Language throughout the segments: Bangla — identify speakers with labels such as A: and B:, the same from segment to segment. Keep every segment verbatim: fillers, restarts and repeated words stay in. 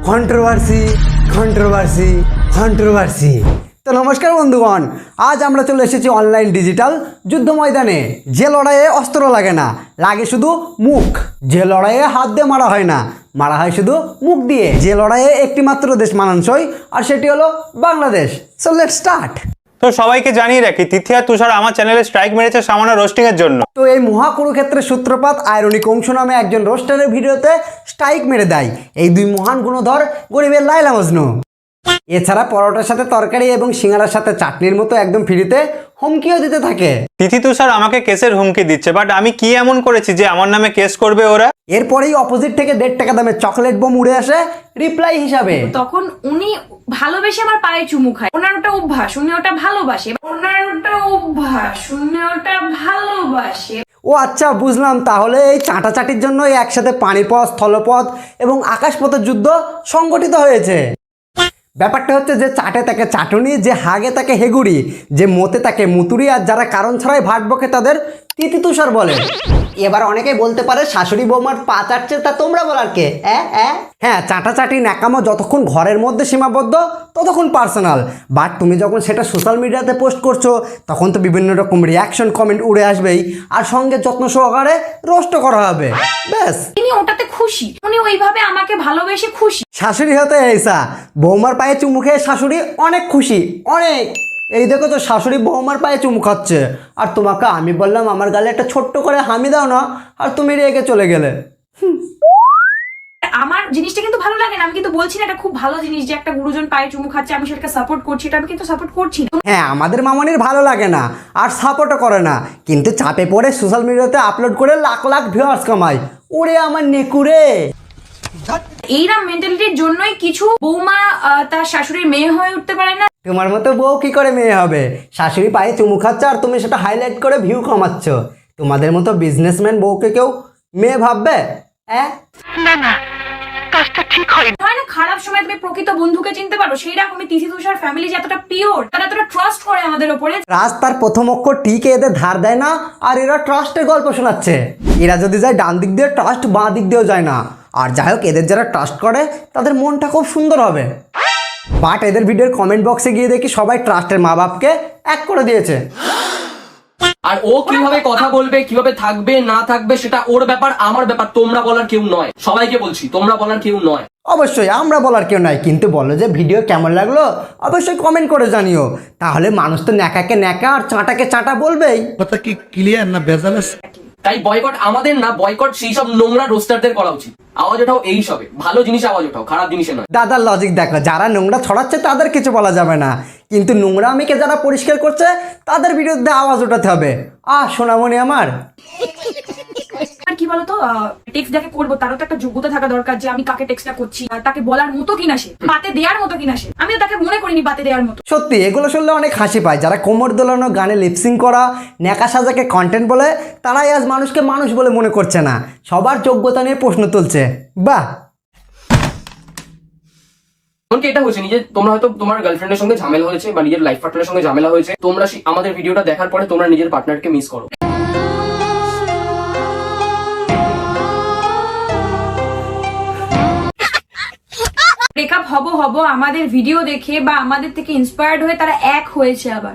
A: Controversy controversy controversy. তো নমস্কার বন্ধুগণ, আজ আমরা চলে এসেছি অনলাইন ডিজিটাল যুদ্ধ ময়দানে। যে লড়াইয়ে অস্ত্র লাগে না, লাগে শুধু মুখ। যে লড়াইয়ে হাত দিয়ে মারা হয় না, মারা হয় শুধু মুখ দিয়ে। যে লড়াইয়ে একটি মাত্র দেশ মানানসই, আর সেটি হলো বাংলাদেশ। So let's start.
B: তো সবাইকে জানিয়ে রাখি, তিথি আর তুষার আমার চ্যানেলে স্ট্রাইক মেরেছে সামান্য রোস্টিং এর জন্য।
A: তো এই মহাকুরুক্ষেত্রের সূত্রপাত আয়রনিক অংশ নামে একজন রোস্টারের ভিডিওতে স্ট্রাইক মেরে দেয় এই দুই মহান গুণধর গরিবের লায়লা মজনু। এছাড়া পরোটার সাথে তরকারি এবং সিঙ্গারার সাথে চাটনির মতো একদম ফ্রিতে হুমকিও দিতে থাকে।
B: তিথি তুষার আমাকে কেসের হুমকি দিচ্ছে, বাট আমি কি এমন করেছি যে আমার নামে কেস করবে ওরা?
A: এরপরেই অপোজিট থেকে দেড় টাকা দামের চকলেট বোম উড়ে আসে রিপ্লাই হিসাবে।
C: তখন উনি ভালোবেসে আমার পায়ে চুমু খায়। ওনার ওটা অভ্যাস, উনি ওটা ভালোবাসে। ওনার ওটা অভ্যাস, উনি ওটা ভালোবাসে।
A: ও আচ্ছা, বুঝলাম। তাহলে এই চাটাচাটির জন্য একসাথে পানিপথ, স্থলপথ এবং আকাশপথের যুদ্ধ সংগঠিত হয়েছে। ব্যাপারটা হচ্ছে যে চাটে তাকে চাটুনি, যে হাগে তাকে হেগুড়ি, যে মতে তাকে মুতুরি, আর যারা কারণ ছাড়াই ভাট বকে তাদের তিথি তুষার বলে। এবার অনেকেই বলতে পারে শাশুড়ি বৌমার পা চাটছে, তা তোমরা বলার কে? হ্যাঁ, চাটাচাটি ন্যাকামো যতক্ষণ ঘরের মধ্যে সীমাবদ্ধ ততক্ষণ পার্সোনাল, বাট তুমি যখন সেটা সোশ্যাল মিডিয়াতে পোস্ট করছো তখন তো বিভিন্ন রকম রিয়াকশন কমেন্ট উড়ে আসবেই, আর সঙ্গে যত্ন সহকারে রোস্ট করা হবে। ব্যাস,
C: তিনি ওটাতে খুশি, উনি ওইভাবে আমাকে ভালোবেসে খুশি।
A: শাশুড়ি হতে এইসা, বৌমার পায়ে চুমু খেয়ে শাশুড়ি অনেক খুশি, অনেক। এই দেখো তো, শাশুড়ি বৌমার পায়ে চুমু খাচ্ছে, আর তোমাকে আমি বললাম আমার গালে একটা ছোট্ট করে হামি দাও না, আর তুমি রেগে চলে গেলে।
C: আমার জিনিসটা কিন্তু ভালো লাগে না, আমি কিন্তু বলছি না এটা খুব ভালো জিনিস যে একটা গুরুজন পায়ে চুমু খাচ্ছে আমি সেটাকে সাপোর্ট করছি, এটা আমি কিন্তু সাপোর্ট করছি না।
A: হ্যাঁ, আমাদের মামনির ভালো লাগে না আর সাপোর্টও করে না, কিন্তু চাপে পড়ে সোশ্যাল মিডিয়াতে আপলোড করে লাখ লাখ ভিউয়ার্স কামায়। ওরে আমার নেকুরে।
C: এইরকম মেন্টালিটির জন্যই কিছু বৌমা তার শাশুড়ির মেয়ে হয়ে উঠতে পারে না।
A: তোমার মতো বউ কি করে মেয়ে হবে? শাশুড়ি পায়ে চুমু খাচ্ছে আর তুমি সেটা হাইলাইট করে ভিউ কমাচ্ছ। তোমাদের মতো বিজনেসম্যান বউকে কেউ মেয়ে ভাববে? হ্যাঁ,
C: না না, কাজটা ঠিক হয় না। খারাপ সময় তুমি প্রকৃত বন্ধুকে চিনতে পারো, সেই রকমই তিথি তুষার ফ্যামিলি যে এতটা পিওর, তারা এতটা ট্রাস্ট করে আমাদের উপরে।
A: রাস্তার প্রথম অক্ষর টিকে এদের ধার দেয় না, আর এরা ট্রাস্টের গল্প শোনাচ্ছে। এরা যদি যায় ডান দিক দিয়ে ট্রাস্ট, বাঁ দিক দিয়েও যায় না। আর যাই হোক, এদের যারা ট্রাস্ট করে তাদের মনটা খুব সুন্দর হবে। বাট এদের ভিডিওর কমেন্ট বক্সে গিয়ে দেখি সবাই ট্রাস্টের মা বাপকে এক করে দিয়েছে।
D: আর ও কিভাবে কথা বলবে, কিভাবে থাকবে না থাকবে সেটা ওর ব্যাপার, আমার ব্যাপার। তোমরা বলার কেউ নয়, সবাইকে বলছি তোমরা বলার কেউ নয়।
A: অবশ্যই আমরা বলার কেউ নয়, কিন্তু বলো যে ভিডিও কেমন লাগলো অবশ্যই কমেন্ট করে জানিও। তাহলে মানুষ তো ন্যাকাকে ন্যাকা আর চাটাকে চাটা বলবেই।
E: কথা কি ক্লিয়ার না ভেজাল আছে?
D: তাই বয়কট আমাদের না, বয়কট সেই সব নোংরা রোস্টারদের করা উচিত। আওয়াজ ওঠাও এই সবে, ভালো জিনিস আওয়াজ ওঠাও, খারাপ জিনিসে নয়।
A: দাদার লজিক দেখো, যারা নোংরা ছড়াচ্ছে তাদের কিছু বলা যাবে না, কিন্তু নোংরামিকে যারা পরিষ্কার করছে তাদের বিরুদ্ধে আওয়াজ ওঠাতে হবে। আহ সোনামণি আমার।
C: আর কি বলতো, টেক্সট যাকে করবো তারও তো একটা যোগ্যতা থাকা দরকার, যে আমি কাকে টেক্সটটা করছি, তাকে বলার মতো কিনা সে, পাতে দেওয়ার মতো কিনা সে। আমি তাকে মনে করিনি পাতে দেওয়ার মতো।
A: সত্যি এগুলো শুনলে অনেক হাসি পায়। যারা কোমর দোলানো গানে লিপসিং করা ন্যাকা সাজাকে কন্টেন্ট বলে, তারাই আজ মানুষকে মানুষ বলে মনে করছে না, সবার যোগ্যতা নিয়ে প্রশ্ন তুলছে। বাহ।
D: এমনকি এটা হয়েছে, নিজে তোমরা হয়তো তোমার গার্লফ্রেন্ডের সঙ্গে ঝামেলা হয়েছে বা নিজের লাইফ পার্টনারের সঙ্গে ঝামেলা হয়েছে, তোমরা আমাদের ভিডিওটা দেখার পরে তোমরা নিজের পার্টনারকে মিস করো।
C: ব্রেকআপ হব হব আমাদের ভিডিও দেখে বা আমাদের থেকে ইন্সপায়ার্ড হয়ে তারা এক হয়েছে আবার।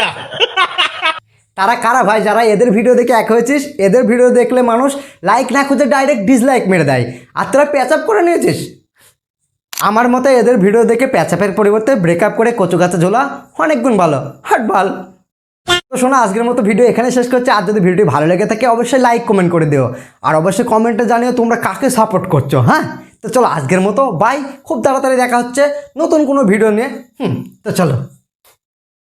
A: তারা কারা ভাই? যারা এদের ভিডিও দেখে এক হয়েছিস? এদের ভিডিও দেখলে মানুষ লাইক না খুঁজে ডাইরেক্ট ডিসলাইক মেরে দেয়, আর তোরা প্যাচআপ করে নিয়েছিস। আমার মতে এদের ভিডিও দেখে প্যাচআপের পরিবর্তে ব্রেকআপ করে কচু গাছে ঝোলা অনেক গুণ ভালো। হাট ভাল। তো শোনো, আজকের মতো ভিডিও এখানে শেষ করছি। আর যদি ভিডিওটি ভালো লেগে থাকে অবশ্যই লাইক কমেন্ট করে দিও, আর অবশ্যই কমেন্টে জানিও তোমরা কাকে সাপোর্ট করছো। হ্যাঁ, তো চলো আজকের মতো বাই। খুব তাড়াতাড়ি দেখা হচ্ছে নতুন কোনো ভিডিও নিয়ে। হুম, তো চলো।